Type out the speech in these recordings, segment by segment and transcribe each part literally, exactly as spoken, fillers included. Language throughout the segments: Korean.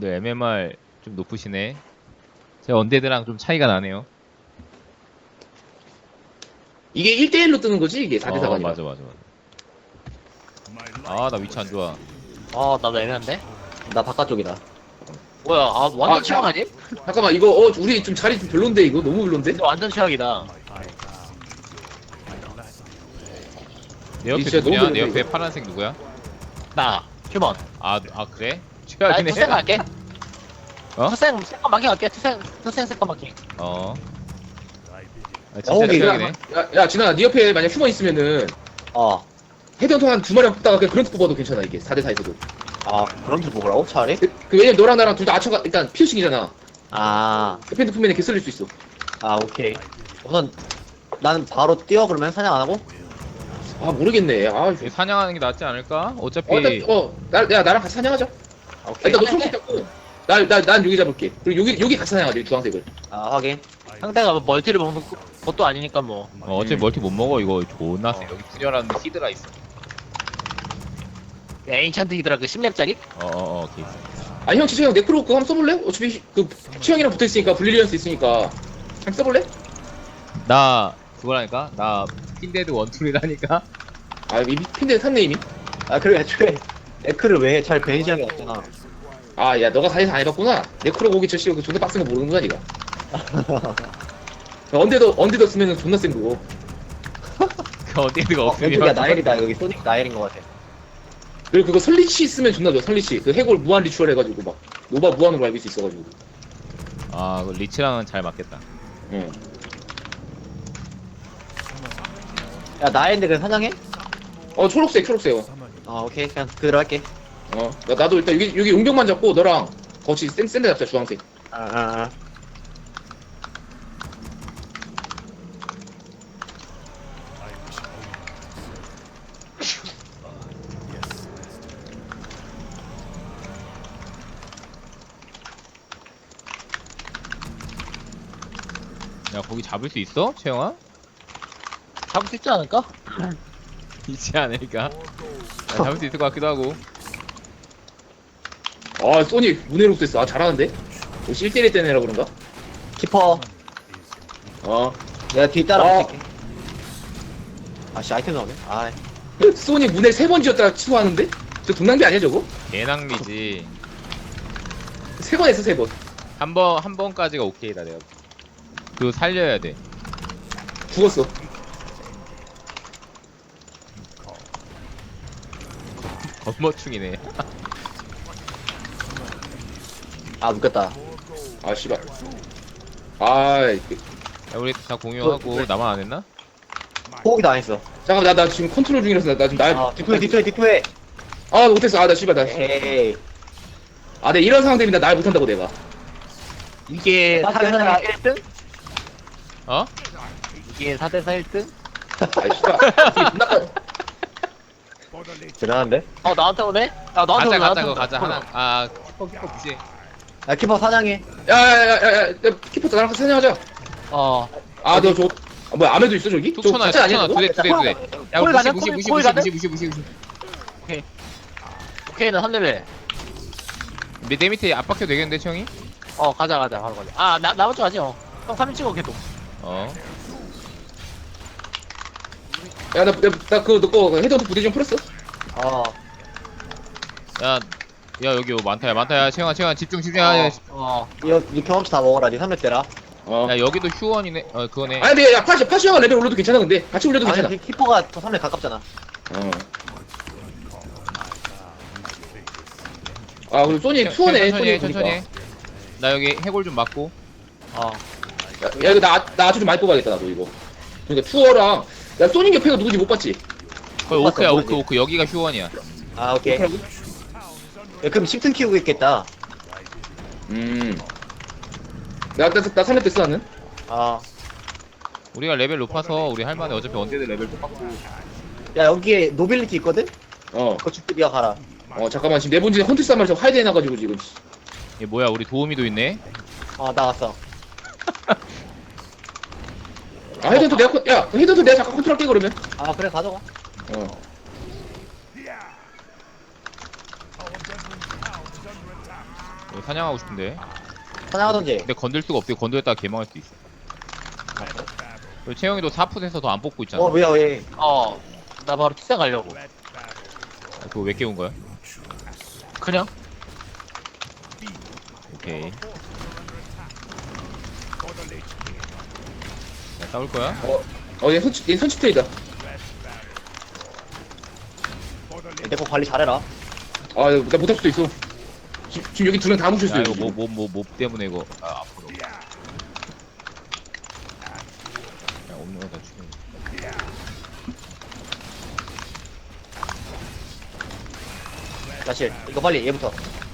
다들 엠엠알 좀 높으시네. 제 언데드랑 좀 차이가 나네요. 이게 일 대일로 뜨는 거지? 이게 사 대 사가 어, 아니라. 맞아, 맞아, 맞아. 아, 나 위치 안 좋아. 어, 나도 애매한데? 나 바깥쪽이다. 뭐야, 아, 완전 아, 최악 자- 아님? 잠깐만, 이거, 어, 우리 좀 자리 좀 별론데, 이거? 너무 별론데? 근데 완전 최악이다. 내 옆에 진짜 누구냐? 너무 내 옆에 별로인데, 파란색 누구야? 나, 휴먼. 아, 아 그래? 나 최악이네. 투생 갈게. 어? 투생, 세컨 마킹 갈게. 투생, 투생 세컨 마킹. 어. 아, 어, 진짜 이게- 최악이네. 야, 야, 진아, 네 옆에 만약 휴먼 있으면은, 어. 헤드헌터 한 두 마리만 뽑다가 그냥 그런트 뽑아도 괜찮아, 이게. 사 대 사에서도. 아, 그런 줄 보라고? 차라리? 그, 그 왜냐면 너랑 나랑 둘 다 아처가, 일단 피어싱이잖아. 아, 그 품면에 개 쓸릴 수 있어. 아, 오케이. 우선, 나는 바로 뛰어, 그러면 사냥 안 하고? 아, 모르겠네. 아, 이거 사냥하는 게 낫지 않을까? 어차피 어, 일단, 어, 나, 야, 나랑 같이 사냥하자. 아, 오케이. 일단 너 초록색 잡고, 나, 나, 난 여기 잡을게. 그리고 여기, 여기 같이 사냥하자, 이 주황색을. 아, 확인. 상대가 뭐 멀티를 먹는 것도 아니니까 뭐. 어, 어차피 음. 멀티 못 먹어. 이거 존나 세. 여기 분열하는데 히드라 있어. 에인찬트 히드라 그 십 렙짜리? 어, 어, 어, 오케이. 아, 형, 진짜 형, 네크로 그거 한번 써볼래? 어차피, 그, 취향이랑 붙어있으니까, 블리리언스 있으니까. 한번 써볼래? 나 그거라니까? 나 핀데드 원툴이라니까? 아, 이미 핀데 샀네, 이미. 아, 그리고 애초에, 에크를 왜 잘 베니지하게 없잖아. 아, 야, 너가 사에서 안 해봤구나. 네크로 고기 저 씨가 그 존나 빡센 거 모르는구나, 니가. 야, 언데도, 언데도 쓰면은 존나 센 거고. 그 언데드가 어, 없으면. 왼쪽이야, 나엘이다. 여기 소닉 나엘인 것 같아. 그리고 그거 설리치 쓰면 존나 좋아, 설리치. 그 해골 무한 리추얼 해가지고 막, 노바 무한으로 알고 수 있어가지고. 아, 그 리치랑은 잘 맞겠다. 응. 야, 나엘인데 그냥 사냥해? 어, 초록색, 초록색. 어, 아, 오케이. 그냥 그대로 할게. 어. 나, 나도 일단 여기, 여기 용병만 잡고, 너랑 거치 센, 센데 잡자, 주황색. 아, 아, 아. 야, 거기 잡을 수 있어? 채영아? 잡을 수 있지 않을까? 있지 않을까? 야, 잡을 수 있을 것 같기도 하고. 아, 소닉, 문해로 됐어. 아, 잘하는데? 혹시 일 대일 때내라 그런가? 키퍼. 어. 내가 뒤 따라 어. 붙일게. 아씨, 아이템 나오네. 아, 소닉 문해 세 번 지었다가 취소하는데? 저 돈낭비 아니야, 저거? 개낭비지. 세 번 했어, 세 번. 한 번, 한 번까지가 오케이다, 내가. 그거 살려야 돼. 죽었어. 겁머충이네. 아, 묶였다. 아, 씨발. 아, 그- 야, 우리 다 공유하고, 나만 안 했나? 호흡이 다 안 했어. 잠깐만, 나, 나 지금 컨트롤 중이라서 나, 나 지금 나. 아, 디토해, 디토해, 디토해. 아, 못했어. 아, 나 씨발, 나. 에이. 아, 내 이런 상황 되면 나날 못한다고, 내가. 이게 나 사 대 사 그냥- 일 등? 어? 이게 사 대 사 일 등? 아, 씨발. 이게 존나 까- 대단한데? 어, 나한테 오네? 아, 나한테 가자, 오네, 가자, 나한테 그거 오네. 가자. 하나, 아, 키퍼, 키퍼 무시해. 야, 키퍼 사냥해. 야, 야, 야, 야, 야, 키퍼 나랑 같이 사냥하자. 어. 아, 너 저, 아, 뭐야, 아메도 있어, 저기? 저 툭쳐놔, 가짜 아니야, 툭쳐놔. 저거? 두 대, 두 대, 두 대. 야, 콜 무시, 가자, 무시, 콜, 무시, 콜 무시, 가자. 무시, 무시, 무시, 무시. 오케이, 나 삼 레벨. 내, 내 밑에 압박해도 되겠는데, 채영이? 어, 가자, 가자, 바로 가자. 아, 나, 나머지 가지, 어. 형 삼 인 찍어, 걔도. 어. 야, 나, 나, 나 그거, 너거 헤드헌터 부대 좀 풀었어? 어. 야, 야, 여기 많다, 야, 많다, 야, 채영아, 채영아, 집중, 집중, 야, 야, 어. 이거, 이 경험치 다 먹어라. 니 삼 렙 때라. 어. 야, 여기도 휴원이네, 어, 그거네. 아니, 근데 야, 파시, 파시아가 레벨 올려도 괜찮아, 근데. 같이 올려도 괜찮아. 아니, 키퍼가 더 삼 렙 가깝잖아. 어. 아, 그리고 소닉 투어네, 천천히 해, 소닉 천천히 보니까. 해. 나 여기 해골 좀 맞고. 어. 야, 야, 이거 나, 나 아주 좀 많이 뽑아야겠다, 나도 이거. 그러니까 투어랑, 야, 소닉 옆에가 누구지 못 봤지? 거의 맞다, 오크야, 모르지. 오크, 오크. 여기가 휴원이야. 아, 오케이. 야, 그럼 십튼 키우고 있겠다. 음. 나, 나, 나 삼 렙 됐어, 나는. 아. 우리가 레벨 높아서 우리 할만해. 어차피 언제드 레벨 똑같고. 야, 여기에 노빌리티 있거든? 어. 그거 죽고 니가 가라. 어, 잠깐만, 지금 네 번째 헌트스 한 마리 저 하이드 해놔가지고, 지금. 얘 뭐야, 우리 도우미도 있네. 어, 나왔어. 아, 헤드헌터 내가, 컨- 야, 헤드헌터 내가 잠깐 컨트롤 할게, 그러면. 아, 그래, 가져가. 어. 이거 사냥하고 싶은데. 사냥하던지. 근데 건들 수가 없어. 건들다가 개망할 수도 있어. 그리고 채영이도 사 풋에서 더 안 뽑고 있잖아. 어, 뭐야, 왜. 어, 나 바로 투자 가려고. 아, 그거 왜 깨운 거야? 그냥? 오케이. 자, 싸울 거야? 어얘 선취 얘 선취 트레이다. 내거 관리 잘해라. 아 나 못할 수도 있어. 지, 지금 여기 두 명 다 뭉쳤어. 야, 여기 이거 뭐, 지금. 뭐, 뭐, 뭐 때문에 이거. 아, 앞으로. 야, 없는 거다 죽여. 야실, 이거 빨리 얘부터.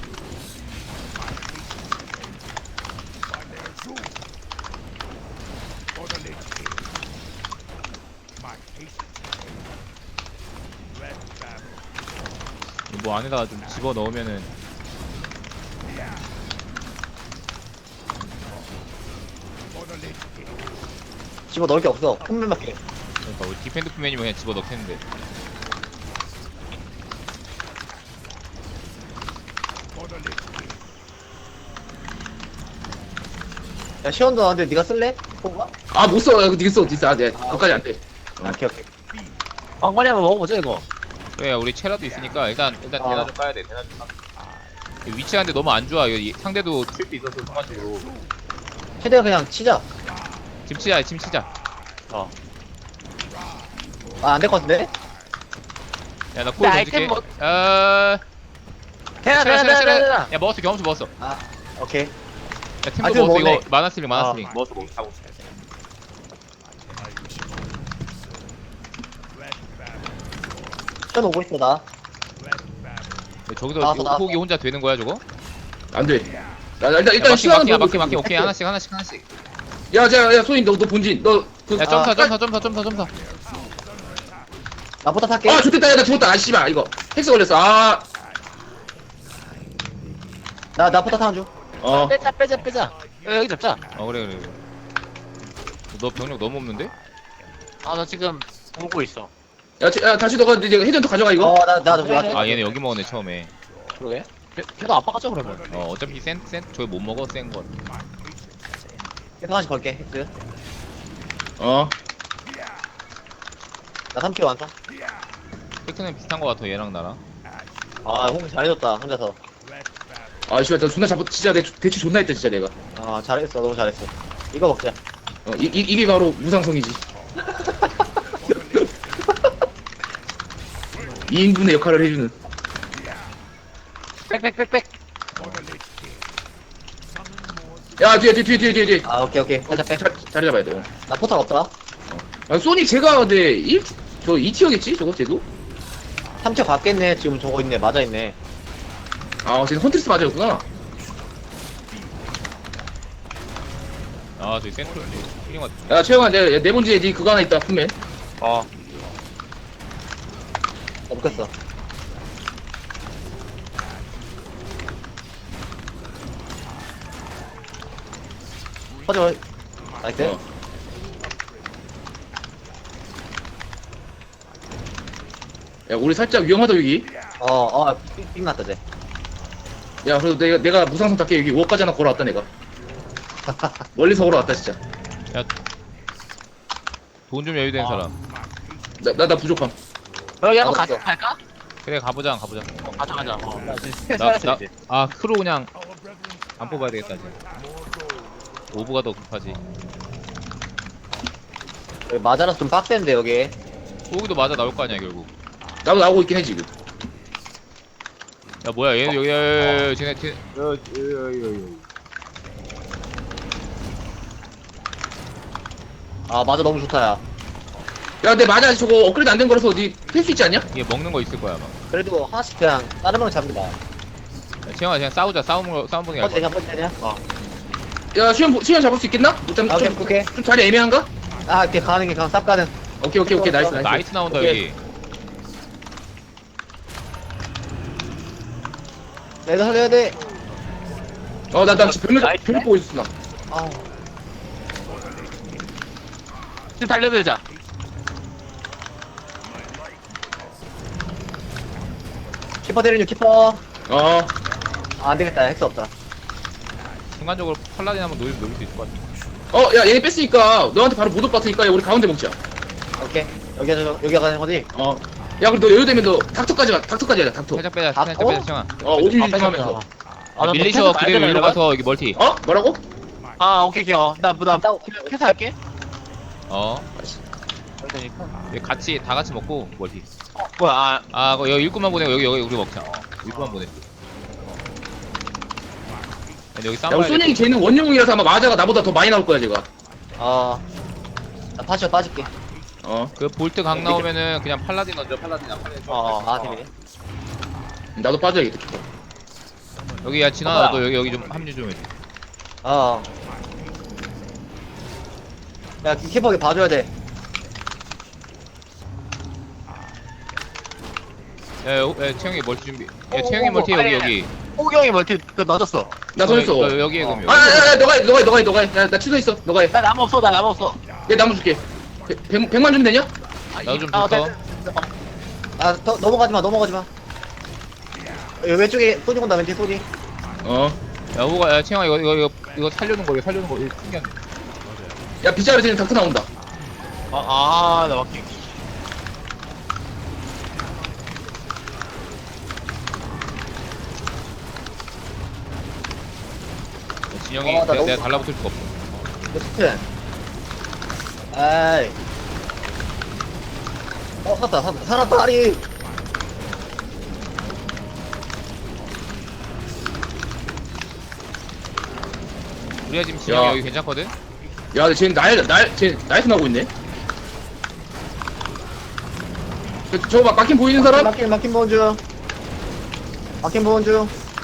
뭐 안에다가 좀 집어 넣으면은. 집어 넣을 게 없어. 큰면밖에. 그러니까 우리 디펜드 플랜이면 그냥 집어 넣겠는데. 야, 시원도 나는데 네가 쓸래? 뽑아? 아못 써. 이거 니가 써. 니가 아, 네. 그까지 안 돼. 아, 오케이, 오케이. 왕관이 한번 먹어보자, 이거. 그래, 우리 체라도 있으니까 일단 일단 아. 대나 좀 까야 돼. 대나 좀 까. 이 위치가 근데 너무 안 좋아. 이거 이- 상대도 칠 수 있어서 순간적으로. 최대한 그냥 치자. 짐 치자, 짐 치자. 어. 아, 안 될 것 같은데? 야, 나 코일 나 던질게. 아이템 뭐- 어. 대나, 대나, 대나, 대나, 대나. 야, 먹었어. 경험치 먹었어. 아, 오케이. 야, 팀도 아이템 먹었어. 먹었네. 이거 마나스링, 마나스링. 아. 먹었어, 먹었어. 하고. 시원 오고 있어, 나. 야, 저기서 나왔어, 요- 나왔어. 호기 혼자 되는 거야, 저거? 안 돼. 나, 나 일단 야, 일단 마킹, 시간은 마킹, 보고 마킹, 마킹. 있어. 오케이, 하나씩, 하나씩, 하나씩. 야, 자, 야, 소인 너, 너 본진, 너, 그, 야, 점사, 아, 점사, 점사, 점사, 점사. 나부터 탈게. 아, 좋겠다, 야, 나 죽었다, 아, 씨발, 이거. 헬스 걸렸어, 아, 나, 나부터 타는 중. 어. 빼자, 빼자, 빼자. 야, 여기 잡자. 어, 그래, 그래. 그래. 너 병력 너무 없는데? 아, 나 지금 보고 있어. 야, 지- 야, 다시 너가 이제 헤드헌터 가져가, 이거. 어, 나, 나, 나, 나. 아, 얘네 여기 먹었네, 처음에. 그러게? 걔- 걔도 아빠 가자, 그러면. 어, 어차피 센, 센, 저기 못 먹어, 센 건. 계속 하나씩 걸게, 헬스. 어. 나 삼 킬로 완성. 테크는 비슷한 거 같아, 얘랑 나랑. 아, 홍 잘해줬다, 혼자서. 아, 씨발, 나 존나 잡아, 진짜 내 대치 존나 했다, 진짜 내가. 아, 잘했어, 너무 잘했어. 이거 먹자. 어, 이, 이, 이게 바로 무상성이지. 이 인분의 역할을 해주는. 빽빽빽빽. 야, 뒤에, 뒤에, 뒤에, 뒤에, 뒤에, 뒤에. 아, 오케이, 오케이. 어, 살짝 빼. 자, 자리 잡아야 돼. 어. 나 포탑 없다. 아, 소닉 제가 근데 일, 저 이 티어겠지? 저거 쟤도? 삼 킬 갔겠네. 지금 저거 있네. 맞아 있네. 아, 쟤는 헌트리스 맞았구나. 아, 저기 센트럴, 힐링 왔 야, 최영아, 내, 내 본지에 니 그거 하나 있다, 품에. 어. 나 묶였어. 퍼져. 나이스. 어. 야, 우리 살짝 위험하다, 여기. 어, 어, 삑, 삑 났다, 쟤. 야, 그래도 내가, 내가 무상성 닦게 여기 워까지 하나 걸어왔다, 내가. 멀리서 걸어왔다, 진짜. 돈 좀 여유된 아. 사람. 나, 나, 나 부족함. 여기 한번 알았어. 가자, 갈까? 그래, 가보자, 가보자. 가자, 가자. 어. 나, 나, 아, 크로 그냥 안 뽑아야 되겠다, 이제. 오브가 더 급하지. 여기 맞아라서 좀 빡센데, 여기. 호기도 맞아 나올 거 아니야, 결국. 나도 나오고 있긴 해, 지금. 야, 뭐야, 얘, 여기, 야, 야, 야, 쟤네, 쟤, 야, 야, 야, 야, 야. 아, 맞아, 너무 좋다, 야. 야, 근데 맞아, 저거 업그레이드 안 된 거라서 어디 팰 수 있지 않냐? 이게 먹는 거 있을 거야, 아마. 그래도 하나씩 그냥 다른 명 잡는다. 야, 채영아, 그냥 싸우자, 싸우는 거, 싸움 보는 게 퍼지 알것 되냐, 퍼지 되냐? 어. 야, 수현, 보- 수현 잡을 수 있겠나? 못 잡, 아, 오케이, 좀, 오케이. 좀 자리 애매한가? 아, 이렇게 가는 게 그냥 쌉 가는. 오케이, 오케이, 오케이, 나이스, 같아. 나이스. 나이트 나온다, 오케이. 여기. 내가 살려야 돼. 어, 나, 나 지금 별로, 나이스. 별로 보고 있었어, 나. 아우. 지금 달려들자. 키퍼 때리는 중, 키퍼. 어, 아, 안 되겠다, 헬스 없다. 순간적으로 팔라딘 한번 노릴, 노릴 수 있을 것 같아. 어, 야, 얘네 뺐으니까 너한테 바로 못 올 것 같으니까 야, 우리 가운데 먹자. 오케이. 여기가, 여기가 가는 거지? 어. 야, 그럼 너 여유되면 너 닥터까지 가, 닥터까지 가자, 닥터. 살짝 빼자, 아, 살짝 어? 빼자, 시영아. 어, 오지 아, 하면서. 아, 나 밀리셔 너 그대로 패스 일로 말대로 가서 여기 멀티. 어? 뭐라고? 아, 오케이, 오케이. 어. 나, 나, 나, 패스 할게. 어. 그러니까. 여기 같이, 다 같이 먹고 멀티. 어, 뭐야, 아, 아, 그거 여기 일꾼만 보내고 여기, 여기 우리 먹자. 어, 일꾼만 보내. 근데 여기 싸움 야, 우리 봐야 돼. 소닉이 쟤는 원용이라서 아마 마자가 나보다 더 많이 나올 거야, 제가. 어. 나 파시어 빠질게. 어. 그 볼트 강 나오면은 그냥 팔라딘 얹어, 팔라딘 안 팔라딘. 어, 어. 아, 재밌네. 나도 빠져야겠다. 여기 야 진아 어, 너도 여기 여기 좀 합류 좀 해줘. 어. 야, 키퍼게 봐줘야 돼. 야, 야, 야 채영이 멀티 준비. 어, 야 채영이 어, 멀티 어, 여기 아니, 여기. 호경이 멀티, 그, 넣어줬어. 나 던졌어. 너, 너 여기에 그럼 아, 여기. 야, 야, 너가 해, 너가 해, 너가 해, 너가 해. 야, 나 취소했어. 너가 해. 나 나무 없어, 나 나무 없어. 내 나무 줄게. 백, 백만 주면 되냐? 나도 좀 아, 줬어. 네, 네. 어, 아, 더, 넘어가지 마, 넘어가지 마. 여기 왼쪽에 소니 온다, 왼쪽에 소니. 어. 야 호가 야 채영아 이거 이거 이거 이거 살려는 거 이거 살려는 거 이거 신기한. 야, 빗자루 쟤는 닥터 나온다. 아, 아, 나 막히. 진영이 어, 나 내가, 너무- 내가 달라붙을 수가 없어. 이거 스튼. 아이. 어, 살았다, 살았다, 살았다, 아리. 우리가 지금 진영이 야. 여기 괜찮거든. 야, 근데 쟤는 날, 날, 쟤 나이트 나고 있네. 저, 저거 막 막힌 보이는 사람? 막힌, 막힌 보온 중. 막힌 보온 중.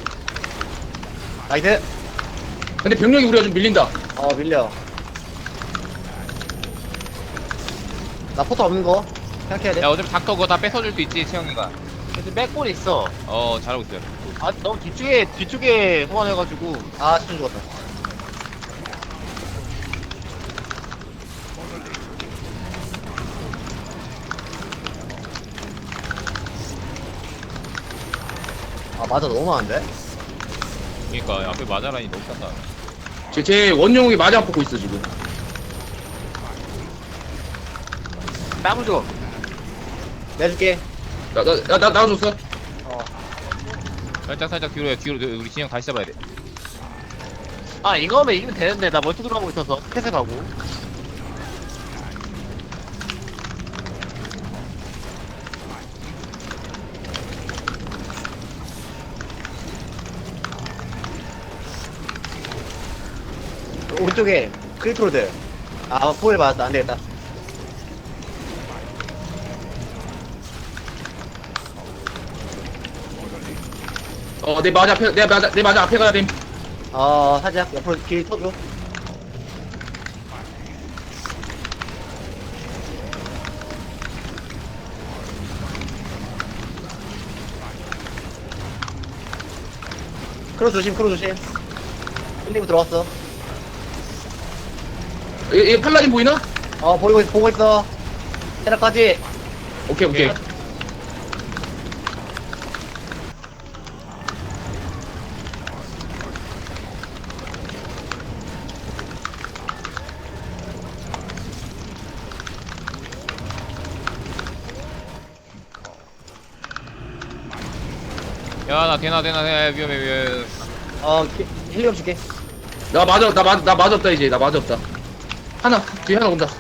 나이스. 근데 병력이 우리가 좀 밀린다. 어, 밀려. 나 포터 없는 거 생각해야 돼. 야 어차피 닥터 그거 다 뺏어줄 수 있지 채영이가. 근데 백골 있어. 어 잘하고 있어요. 아, 너무 뒤쪽에, 뒤쪽에 소환해가지고. 아, 스튼 죽었다. 아, 맞아, 너무 많은데? 그러니까 앞에 마자라니 너무 싼다. 쟤, 쟤 원용이 마자 뽑고 있어, 지금. 나무 줘. 내줄게. 나, 나, 나, 나, 나와줬어. 어. 살짝 살짝 뒤로 해 뒤로 우리 진영 다시 잡아야 돼. 아, 이거면 이기면 되는데, 나 멀티 들어가고 있어서. 패스 가고. 오른쪽에 크리트로드. 아, 포일 맞았다. 안 되겠다. 어, 내 마자 앞에, 내 마자, 내 마자 앞에 가야 됨. 어, 살짝 옆으로 길 터줘. 크로 조심, 크로 조심. 일리브 들어왔어. 얘, 얘 팔라딘 보이나? 어, 보이고 있어, 보고 있어. 테라까지. 오케이, 오케이. 야나 되나 되나 되나 위험해 위험해. 어, 기- 힐리엄 줄게. 나 맞아, 나 맞, 나 맞았다, 이제. 나 맞았다. 하나, 뒤에 하나 온다.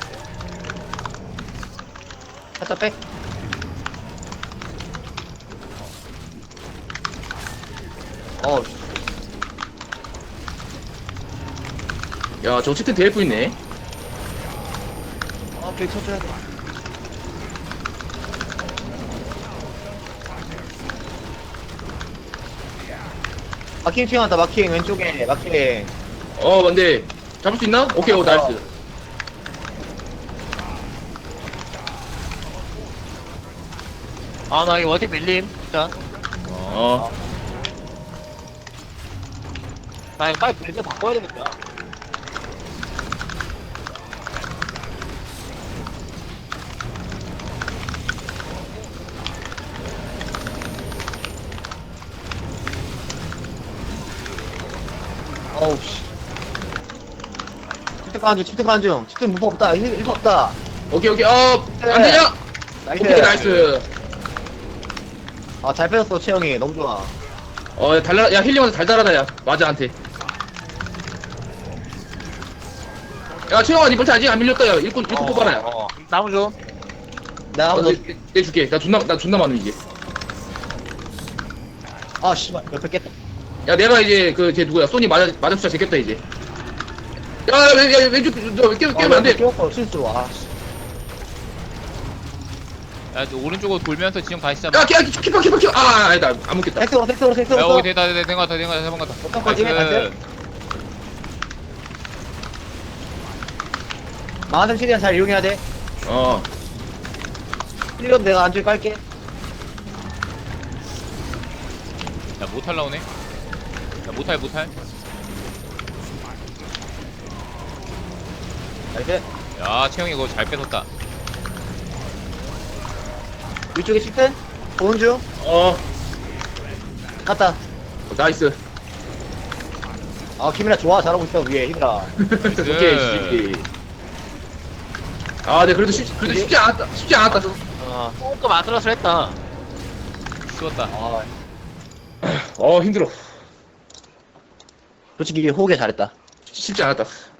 살짝 백. 어, 야, 저 치트 대일 있네. 어, 길 쳐줘야 돼. 마킹 튀어나왔다, 마킹. 왼쪽에, 마킹. 어, 근데, 잡을 수 있나? 오케이, 오, 나이스. 아, 나 이거 멀티 밀림. 진짜. 어. 나 이거 빨리 빌드 바꿔야 되겠다. 어우 씨. 집중 가는 중, 집중 가는 중. 집중 무법 없다. 일, 일법 없다. 오케이 오케이 어 네. 안되냐? 나이스. 오케이 나이스. 아, 잘 뺏었어, 채영이. 너무 좋아. 어 야, 달라 야 힐링한테 달달하다 야 맞아한테. 야 최영아 니 벌써 아직 안 밀렸다 야 일꾼 일꾼 뽑아라 야. 어, 어. 나무 좀. 내가 어, 한번 내, 내 줄게 나 존나 나 존나 많음 이제. 더. 아, 씨발. 옆에 깼다. 야 내가 이제 그 걔 누구야 소니 맞아 맞아 숫자 제꼈다 이제. 야야 왼쪽 너 깨, 깨면 안돼. 끼웠어, 실수로. 아, 씨. 야, 너 오른쪽으로 돌면서 지형 다시 잡아. 야 키파 키파 키파 키파 아 아니다 안 먹겠다. 섹스로, 섹스로, 야, 섹스로. 여기 됐다, 됐다, 된거 같아, 된거 같아, 된거 같아. 어떤 거지? 나이스. 마흔 최대한 잘 이용해야 돼. 어 힐리엄 내가 안쪽에 깔게. 야, 못할 나오네. 야, 못할, 못할. 나이스. 야, 채영이 그거 잘 뺏었다. 위쪽에 칠텐 보는 중. 어, 갔다. 나이스. 아, 김이나 좋아. 잘하고 있어, 위에 힘이라. 나이스. 오케이. 아, 네, 그래도 쉽, 그래도 쉽지 않았다. 쉽지 않았다. 좀. 어, 조금 아슬아슬 했다. 쉬웠다. 아, 어, 힘들어. 솔직히 호흡에 잘했다. 쉽지 않았다.